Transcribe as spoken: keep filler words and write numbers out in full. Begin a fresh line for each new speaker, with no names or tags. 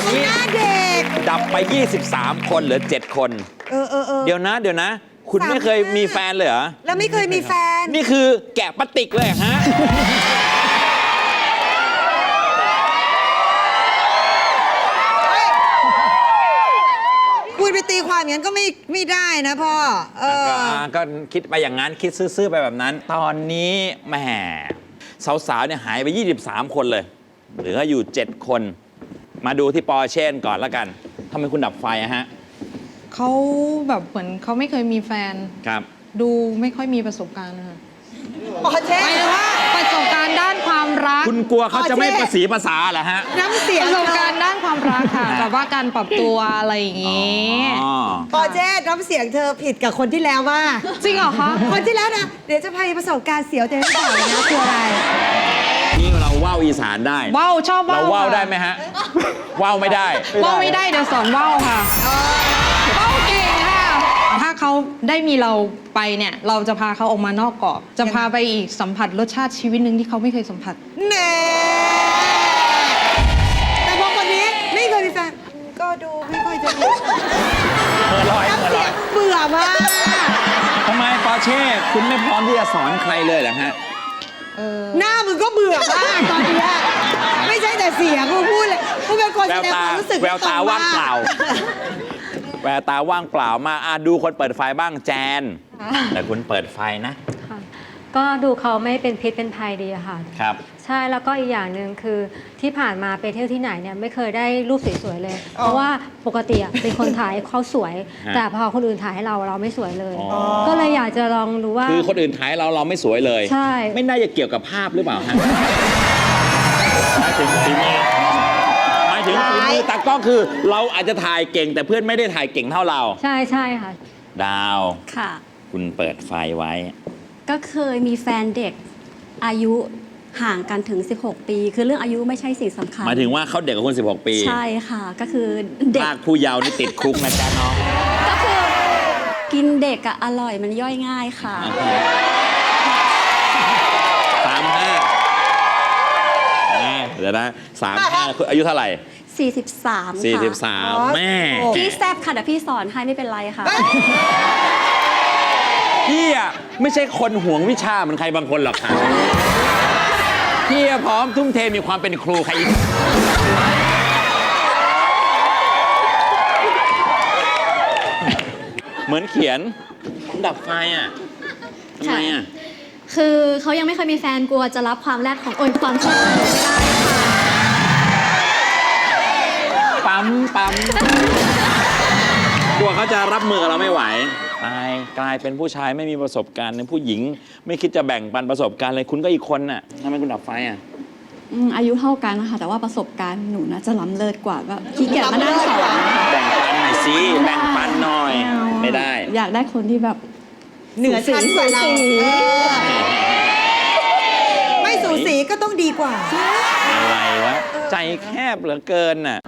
นี้
หน้าเด็ก
ดับไปยี่สิบสามคนเหลือเจ็ดคน
เออเออเออ
เดี๋ยวนะเดี๋ยวนะ คุณไม่เคยมีแฟนเลยเหรอ
แล้วไม่เคยมีแฟน
นี่คือแกะปฏิกเลยเหรอฮะ
คุณไปตีความอย่างนั้นก็ไม่ไม่ได้นะพ่อ เออ
ก็อ่าก็คิดไปอย่างนั้นคิดซื่อๆไปแบบนั้น ตอนนี้แหมสาวๆเนี่ยหายไปยี่สิบสามคนเลยเหลืออยู่เจ็ดคน มาดูที่ปอร์เช่ก่อนแล้วกันทำไมคุณดับไฟอะฮะ
เขาแบบเหมือนเขาไม่เคยมีแฟน
ครับ
ดูไม่ค่อยมีประสบการณ์นะคะ
ปอเช่
หมายถึงว่าประสบการณ์ด้านความรัก
คุณกลัวเขาจะไม่ประสีภาษาเหรอฮะ
น้ำเสีย
ป
ง
ระสบการณ์ด้านความรักค่ะแบบว่าการปรับตัวอะไรอย่างงี้
อ๋อ
ปอเช่น้ำเสียงเธอผิดกับคนที่แล้วมาก
จริงเหรอคะ
คนที่แล้วนะ เดี๋ยวจะพาไปประสบการณ์เสียวแต่ไม่บอกเลยนะคืออะไร
นี่เราว่าวอีสานได้
ว่าวชอบว่าว
เราว่าว
ค่ะ
ได้ไหมฮะ ว่าวไม่ได้
ว่าวไม่ได้เดี๋ยวสอนว่าวค่ะว่าวเก่งค่ะ ถ้าเขาได้มีเราไปเนี่ย เราจะพาเขาออกมานอกกรอบ จะพาไปอีกสัมผัสรสชาติชีวิตหนึ่งที่เขาไม่เคยสัมผัส
แน่แต่พอคนนี้ไม่เคยมีแฟน ก็ดูไม่ค่อยจะมี
เมื่อลอย
น้ำ
เมื่อ
เสี
ล
ย
อง ย
เบื่อมาก
ทำไมปอร์เช่ คุณไม่พร้อมที่จะสอนใครเลยเหรอฮะ
เออ
หน้ามึงก็เบื่อมากตอนเนี้ยไม่ใช่แต่เสียงกูพูดเลยกูเป็นคน
แว
แส
ว
ดง
ตา
ความรู้สึก
แววตา
รงมก
ว่างเปล่า แววตาว่างเปล่ามาอ่ะดูคนเปิดไฟบ้างแจน แต่คุณเปิดไฟนะ
ค่ะก็ดูเขาไม่เป็นพิษเป็นภัยดีอะค่ะ
ครับ
ใช่แล้วก็อีกอย่างหนึ่งคือที่ผ่านมาไปเที่ยวที่ไหนเนี่ยไม่เคยได้รูปสวยๆเลย เพราะว่าปกติอะเป็นคนถ่ายเขาสวย
ฮะ
แต่พอคนอื่นถ่ายให้เราเราไม่สวยเลย
อ๋อ
ก็เลยอยากจะลองดูว่า
คือคนอื่นถ่ายเราเราไม่สวยเลย
ใช่
ไม่น่าจะเกี่ยวกับภาพหรือเปล่าฮะหมายถึงฝีมือหมายถึงฝีมือตากล้องคือเราอาจจะถ่ายเก่ง แต่เพื่อนไม่ได้ถ่ายเก่งเท่าเรา
ใช่ใช่ค่ะ
ดาว
ค่ะ
คุณเปิดไฟไว้
ก็เคยมีแฟนเด็กอายุห่างกันถึง สิบหก ปี คือเรื่องอายุไม่ใช่สิ่งสำคัญ
หมายถึงว่าเขาเด็กกว่าคุณสิบหก ปี
ใช่ค่ะ ก็คือเด็ก
ภาคผู้เยาว์นี่ติดคุกนะจ๊ะน้อง
ก็คือกินเด็กอะอร่อยมันย่อยง่ายค่ะ
สามห้าเดี๋ยวนะสามห้าคืออายุเท่าไหร่
สี่สิบสาม
สี่
ค่ะ
สิบสามแม่
พี่แซบค่ะเดี๋ยวพี่สอนให้ไม่เป็นไรค่ะ
พี่อ่ะไม่ใช่คนห่วงวิชาเหมือนใครบางคนหรอกค่ะพี่อะพร้อมทุ่มเทมีความเป็นครูใครอีกเหมือนเขียนดับไฟอ่ะทำไมอ่ะ
คือเขายังไม่เคยมีแฟนกลัวจะรับความแรดของโอยความชอบของหนูไม่ได้ค่ะ
ปั๊มปั๊มกลัวเขาจะรับมือกับเราไม่ไหวตายกลายเป็นผู้ชายไม่มีประสบการณ์ในผู้หญิง ไม่คิดจะแบ่งปันประสบการณ์เลยคุณก็อีกคนน่ะทำไมคุณดับไฟอ่ะ
อืมอายุเท่ากันนะคะแต่ว่าประสบการณ์หนูน่าจะล้ำเลิศกว่าก็ขี้เกียจมานั่งสอนนะคะ
แบ่งปันหน่อยสิแบ่งปันหน่อย
เอา
ไม่ได้
อยากได้คนที่แบบ
เหนือชั้นกว่าเรา
สูสี
เออไม่สูสีก็ต้องดีกว่า
อะไรวะ ใจแคบเหลือเกินน่ะ